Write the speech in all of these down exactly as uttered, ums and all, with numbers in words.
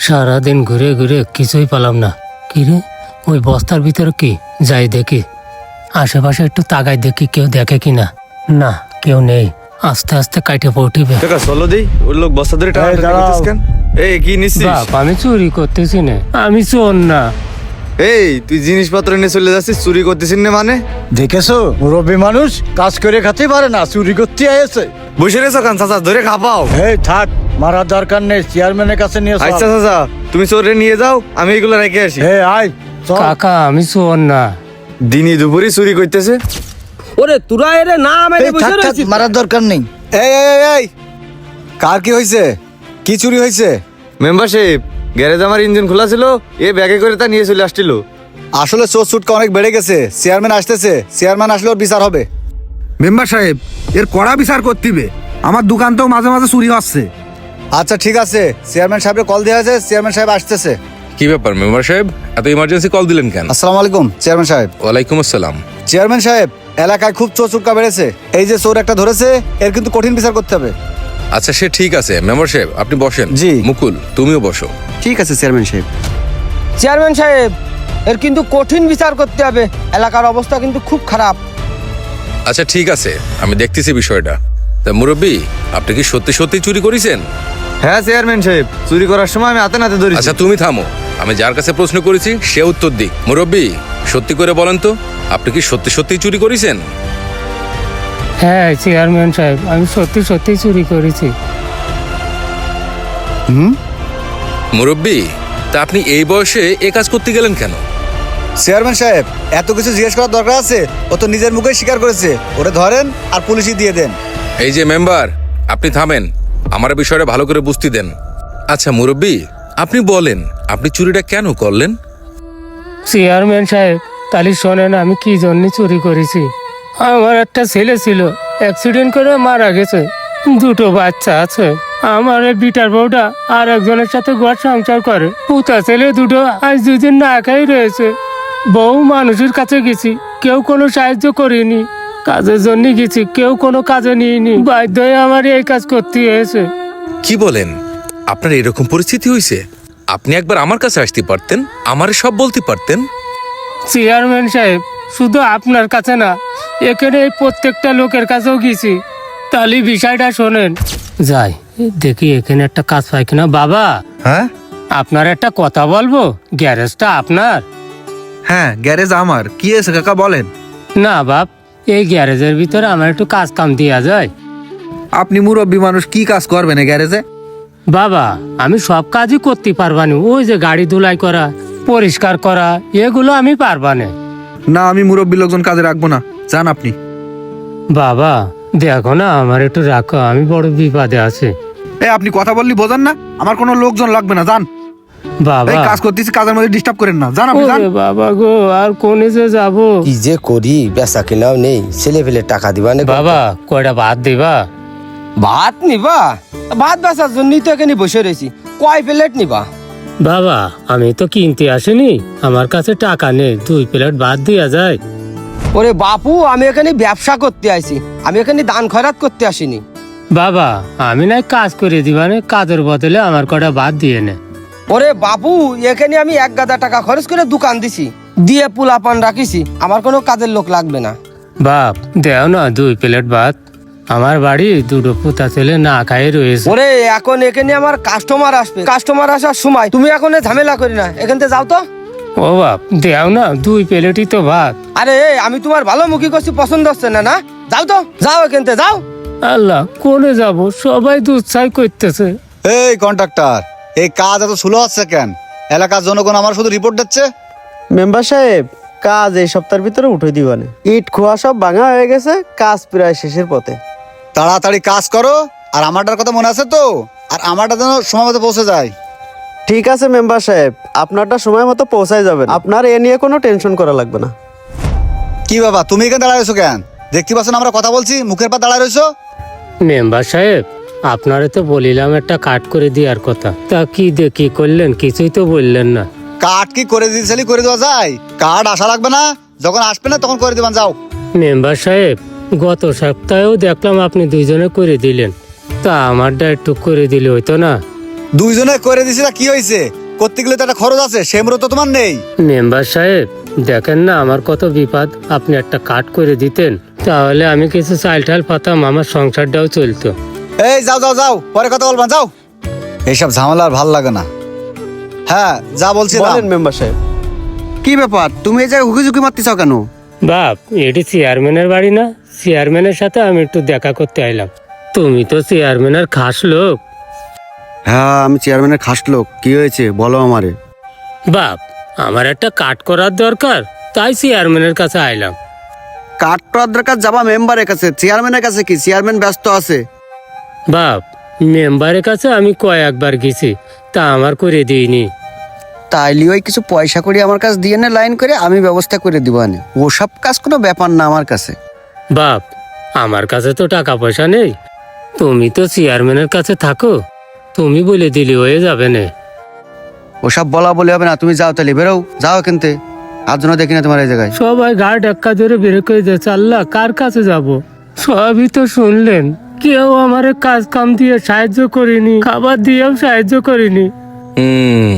সারাদিন ঘুরে ঘুরে কিছুই পেলাম না। কিরে, ওই বস্তার ভিতরে কি? যাই দেখি, আশেপাশে একটু তাকাই দেখি কেউ দেখে কিনা। না, কেউ নেই। আস্তে আস্তে কাইটে পড়িবে। টাকা চলো দেই, ওই লোক বস্তা ধরে টাকা নিতেছ কেন? এই কি নিছিস? বাপ, আমি চুরি করতেছি না, আমি চোর না। এই তুই জিনিসপত্র নিয়ে চলে যাচ্ছিস, চুরি করতেছিস না মানে? দেখেছো, মুরব্বী মানুষ কাজ করে খেতে পারে না, চুরি করতে আয়েছে। বসে রেছো কান চাচা, ধরে খাপাও। এই থাক, মারার দরকার নেই, চেয়ারম্যানের কাছে নিয়ে চল। আচ্ছা চাচা, তুমি চোরে নিয়ে যাও, আমি এগুলো রেখে আসি। এই আয় চল। কাকা, আমি চোর না। দিনই দুপুরই চুরি করতেছে। ওরে তোরা এরে না মেরে এই বসে থাক, থাক, রয়েছিস। মারার দরকার নেই। এই এই এই, এই কার কি হয়েছে? কি চুরি হয়েছে? মেম্বারশিপ গ্যারেজ আমার ইঞ্জিন খোলা ছিল, এ ব্যাগে করে তা নিয়ে চলে আসছিল। আসলে চোর চুটকা অনেক বেড়ে গেছে। চেয়ারম্যান আসতেছে, চেয়ারম্যান আসলে ওর বিচার হবে। মেম্বার সাহেব, এর কড়া বিচার করতে হবে। আমার দোকান তো মাঝে মাঝে চুরি হচ্ছে। আচ্ছা ঠিক আছে, চেয়ারম্যান সাহেবের কল দেওয়া হয়েছে, চেয়ারম্যান সাহেব আসতেছে। কি ব্যাপার মেম্বার সাহেব, এত ইমার্জেন্সি কল দিলেন কেন? আসসালামু আলাইকুম চেয়ারম্যান সাহেব। ওয়ালাইকুম আসসালাম। চেয়ারম্যান সাহেব, এলাকায় খুব চোর চুটকা বেড়েছে। এই যে চোর একটা ধরেছে, এর কিন্তু কঠিন বিচার করতে হবে। আচ্ছা সে ঠিক আছে মেম্বার সাহেব, আপনি বসেন। জি। মুকুল তুমিও বসো। ঠিক আছে চেয়ারম্যান সাহেব। চেয়ারম্যান সাহেব, এর কিন্তু কঠিন বিচার করতে হবে, এলাকার অবস্থা কিন্তু খুব খারাপ। আচ্ছা ঠিক আছে, আমি দেখতেছি বিষয়টা। তা মুরব্বী, আপনি কি সত্যি সত্যি চুরি করেছেন? হ্যাঁ চেয়ারম্যান সাহেব, চুরি করার সময় আমি হাতে নাতে ধরেছি। আচ্ছা তুমি থামো, আমি যার কাছে প্রশ্ন করেছি সে উত্তর দিক। মুরব্বী, সত্যি করে বলেন তো, আপনি কি সত্যি সত্যি চুরি করেছেন? হ্যাঁ চেয়ারম্যান সাহেব, আমি সত্যি সত্যি চুরি করেছি। মুরব্বী, তা আপনি এই বয়সে এ কাজ করতে গেলেন কেন? চেয়ারম্যান সাহেব, এত কিছু জিজ্ঞেস করার দরকার আছে? ও তো নিজের মুখে স্বীকার করেছে। ওরে ধরেন আর পুলিশই দিয়ে দেন। এই যে মেম্বার, আপনি থামেন, আমার বিষয়টা ভালো করে বুঝতে দেন। আচ্ছা মুরব্বী, আপনি বলেন আপনি চুরিটা কেন করলেন? চেয়ারম্যান সাহেব, তাহলে শোনেন আমি কি জন্য চুরি করেছি। আমার একটা ছেলে ছিল, অ্যাক্সিডেন্ট করে মারা গেছে। দুটো বাচ্চা আছে। আমার এই বিটার বউটা আর একজনের সাথে ঘর সংসার করে। পুতা ছেলে দুটো আজ দুদিন না খাই রয়েছে। বউ মানুষের কাছে গেছি, কেউ কোনো সাহায্য করেনি। কাজের জন্য গেছি, কেউ কোনো কাজে নিয়েনি। বাধ্য হয়ে আমার এই কাজ করতে হয়েছে। কি বলেন, আপনার এরকম পরিস্থিতি হয়েছে? আপনি একবার আমার কাছে আসতে পারতেন, আমারে সব বলতে পারতেন। চেয়ারম্যান সাহেব, শুধু আপনার কাছে না, এখানে এই প্রত্যেকটা লোকের কাছেও গেছি। তাহলে বিষয়টা শোনেন। যাই দেখি এখানে একটা কাজ পাই কিনা। বাবা, হ্যাঁ আপনার একটা কথা বলবো। গ্যারেজটা আপনার? হ্যাঁ, গ্যারেজ আমার। কি আছে কাকা বলেন। না বাপ, এই গ্যারেজের ভিতরে আমার একটু কাজ কাম দেওয়া যায়। আপনি মুরব্বী মানুষ, কি কাজ করবেন এই গ্যারেজে? বাবা, আমি সব কাজই করতে পারবানি। ওই যে গাড়ি ধুলাই করা, পরিষ্কার করা, এগুলো আমি পারবানে। না, আমি মুরব্বী লোকজন কাজে রাখবো না, যান আপনি। বাবা দেখো না, আমার একটু রাখো, আমি বড় বিপদে আছি। এই আপনি কথা বললি বোঝেন না? আমার কোনো লোকজন লাগবে না, যান। বাবা, এই কাজ করতেছি, কাজের মধ্যে ডিস্টার্ব করেন না, যান আপনি, যান। ওরে বাবা গো, আর কোনে যে যাবো। কি যে করি, বেচা কেনাও নেই, ছেলে ফেলে টাকা দিবা না। বাবা কয়টা ভাত দিবা? ভাত নিবা? ভাত বেচার জন্যই তো এখানে বসে রয়েছি। কয় প্লেট নিবা? বাবা আমি তো কিনতে আসিনি, আমার কাছে টাকা নেই, দুই প্লেট ভাত দিয়া যায়। ওরে বাপু, আমি এখানে ব্যবসা করতে আইছি, আমি এখানে দান খয়রাত করতে আসিনি। বাবা আমি নাই কাজ করে দিবানে, কাজের বদলে আমার কটা ভাত দিয়ে নে। ওরে বাপু, এখানে আমি এক গাদা টাকা খরচ করে দোকান দিছি, দিয়ে পোলা পান রাখিছি, আমার কোনো কাজের লোক লাগবে না। বাপ দেও না দুই প্লেট ভাত, আমার বাড়ি দুটো পুতা ছেলে না খাই রয়েছে। ওরে এখন এখানে আমার কাস্টমার আসবে, কাস্টমার আসার সময় তুমি এখন এ ঝামেলা করি না, এখান থেকে যাও তো। ও বাপ দেও না, দুই প্লেটই তো ভাত। আরে আমি তোমার ভালো মুখী করছি, পছন্দ হচ্ছে না না? যাও তো, যাও এখান থেকে যাও। আল্লাহ, কোনে যাব, সবাই দুঃসাই করতেছে। এই কন্ট্রাক্টর, এই কাজ এত স্লো হচ্ছে কেন? এলাকার জনগণ আমার শুধু রিপোর্ট দিচ্ছে। মেম্বার সাহেব, কাজ এই সপ্তাহের ভিতরে উঠে দিবানে। ইট খোয়া সব ভাঙা হয়ে গেছে, কাজ প্রায় শেষের পথে। তাড়াতাড়ি কাজ করো, আর আমারটার কথা মনে আছে তো? আর আমারটা যেন সময় মতো পৌঁছে যায়। ঠিক আছে মেম্বার সাহেব, আপনারটা সময় মতো পৌঁছায় যাবেন, আপনার এ নিয়ে কোনো টেনশন করা লাগবে না। কি বাবা, তুমি এখানে দাঁড়ায় রয়েছো কেন? দেখতে পাচ্ছ না আমরা কথা বলছি, মুখের পা দাঁড়ায় রয়েছো? মেম্বার সাহেব, আপনারে তো বলিলাম একটা কাট করে দেওয়ার কথা, তা কি দেখি করলেন? কিছুই তো বললেন না। কার্ড কি করে দিয়েছিলি করে দেওয়া যায়? কার্ড আসা লাগবে না, যখন আসবে না তখন করে দিবেন, যাও। মেম্বার সাহেব, গত সপ্তাহেও দেখলাম আপনি দুইজনে করে দিলেন, তা আমারটা একটু করে দিলে হইতো না? দুইজনে করে দিছি তা কি হয়েছে? করতে গেলে তো একটা খরচ আছে, সে মূলত তো তোমার নেই। মেম্বার সাহেব দেখেন না আমার কত বিপদ, আপনি একটা কাট করে দিতেন তাহলে আমি কিছু চাল টাল পাতাম, আমার সংসারটাও চলতো। এই যাও যাও যাও, পরে কথা বলবা, যাও। এইসব ঝামেলা আর ভাল লাগে না। হ্যাঁ যা বলছি না। বলেন মেম্বার সাহেব, কি ব্যাপার তুমি এই জায়গায় হুকি ঝুঁকি মারতেছ কেন? বাপ এটি চেয়ারম্যানের বাড়ি না? চেয়ারম্যানের সাথে আমি একটু দেখা করতে আইলাম। তুমি তো চেয়ারম্যানের খাস লোক। হ্যাঁ আমি চেয়ারম্যানের খাস লোক, কি হয়েছে বলো আমারে। বাপ আমার একটা কাট করার দরকার, তাই চেয়ারম্যানের কাছে আইলাম। কাট করার দরকার যাবা মেম্বারের কাছে, চেয়ারম্যানের কাছে কি? চেয়ারম্যান ব্যস্ত আছে। বাপ মেম্বারের কাছে আমি কয়েকবার গেছি, তা আমার করে দিইনি। তাইলে ওই কিছু পয়সা করে আমার কাছে দিয়ে নে, লাইন করে আমি ব্যবস্থা করে দিব। আনে ওসব কাজ কোনো ব্যাপার না আমার কাছে। বাপ আমার কাছে তো টাকা পয়সা নেই, তুমি তো চেয়ারম্যানের কাছে থাকো, তুমি বলে দিলি হয়ে যাবে না। ওসব বলা বলে হবে না, তুমি যাও তাহলে, বেরো যাও এখানতে, আর জন্য দেখি না তোমার এই জায়গায়। সবাই গা ধাক্কা ধরে বের করে দিয়েছে, আল্লাহ কার কাছে যাব? সবই তো শুনলেন, কেউ আমার কাজ কাম দিয়ে সাহায্য করিনি, খাবার দিয়েও সাহায্য করিনি। হুম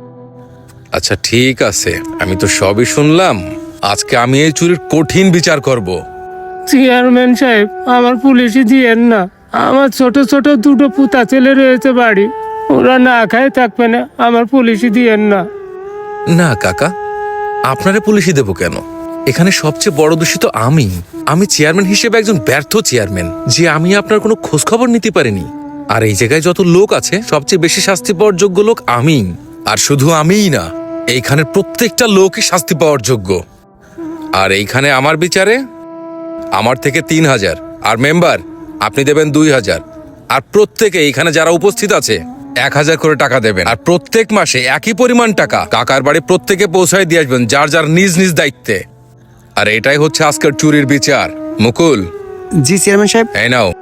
আচ্ছা ঠিক আছে, আমি তো সবই শুনলাম। আজকে আমি এই চুরির কঠিন বিচার করব। চেয়ারম্যান সাহেব আমার পুলিশই দিয়েন না, আমার ছোট ছোট দুটো পুতা ছেলে রয়েছে বাড়ি, ওরা না খায় থাকবে না, আমার পুলিশই দিয়েন না। না কাকা, আপনারে পুলিশই দেবো কেন? এখানে সবচেয়ে বড় দোষী তো আমি। আমি চেয়ারম্যান হিসেবে একজন ব্যর্থ চেয়ারম্যান, যে আমি আপনার কোনো খোঁজ খবর নিতে পারিনি। আর এই জায়গায় যত লোক আছে সবচেয়ে বেশি শাস্তি পাওয়ার যোগ্য লোক আমি। আর শুধু আমিই না, এইখানের প্রত্যেকটা লোকই শাস্তি পাওয়ার যোগ্য। আর এইখানে আমার বিচারে আমার থেকে তিন হাজার, আর মেম্বার আপনি দেবেন দুই হাজার, আর প্রত্যেকে এইখানে যারা উপস্থিত আছে এক হাজার করে টাকা দেবেন। আর প্রত্যেক মাসে একই পরিমাণ টাকা কাকার বাড়ি প্রত্যেকে পৌঁছায় দিয়ে আসবেন, যার যার নিজ নিজ দায়িত্বে। আর এটাই হচ্ছে আজকের চুরির বিচার। মুকুল, জি চেয়ারম্যান সাহেব। এই নাও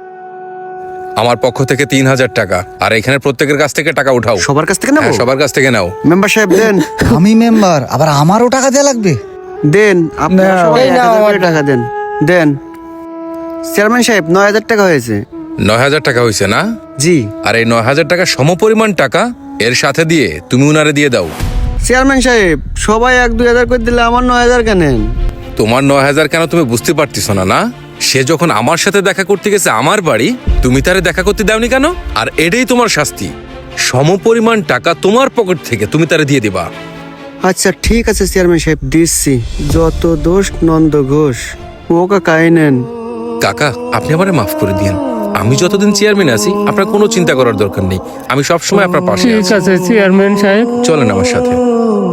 আমার পক্ষ থেকে তিন হাজার টাকা, আর এখানে প্রত্যেকের কাছ থেকে টাকা উঠাও। সবার কাছ থেকে নেবো? হ্যাঁ, সবার কাছ থেকে নাও। মেম্বার সাহেব দেন। আমি মেম্বার, আবার আমারও টাকা দেওয়া লাগবে? দেন আপনারা সবাই এই এক নাও হাজার করে আমার টাকা দেন। দেন চেয়ারম্যান সাহেব, নয় হাজার টাকা হয়েছে। নয় হাজার টাকা হয়েছে না? জি। আর এই নয় হাজার টাকা সমপরিমাণ টাকা এর সাথে দিয়ে তুমি উনারে দিয়ে দাও। চেয়ারম্যান সাহেব সবাই এক দুই হাজার করে দিলে আমার নয় হাজার কেন? তোমার নয় হাজার কেন তুমি বুঝতে পারতেছো না? না, সে যখন আমার সাথে দেখা করতে গেছে আমার বাড়ি, তুমি তারে দেখা করতে দাওনি কেন? আর এটাই তোমার শাস্তি। সমপরিমাণ টাকা তোমার পকেট থেকে তুমি তারে দিয়ে দিবা। আচ্ছা ঠিক আছে চেয়ারম্যান সাহেব, দিচ্ছি। যত দোষ নন্দ ঘোষ, ও কাকাই নেন। কাকা আপনি আমারে মাফ করে দিন। আমি যতদিন চেয়ারম্যান আছি আপনার কোনো চিন্তা করার দরকার নেই, আমি সবসময় আপনার পাশে ঠিক আছি। আছে চেয়ারম্যান সাহেব। চলেন আমার সাথে।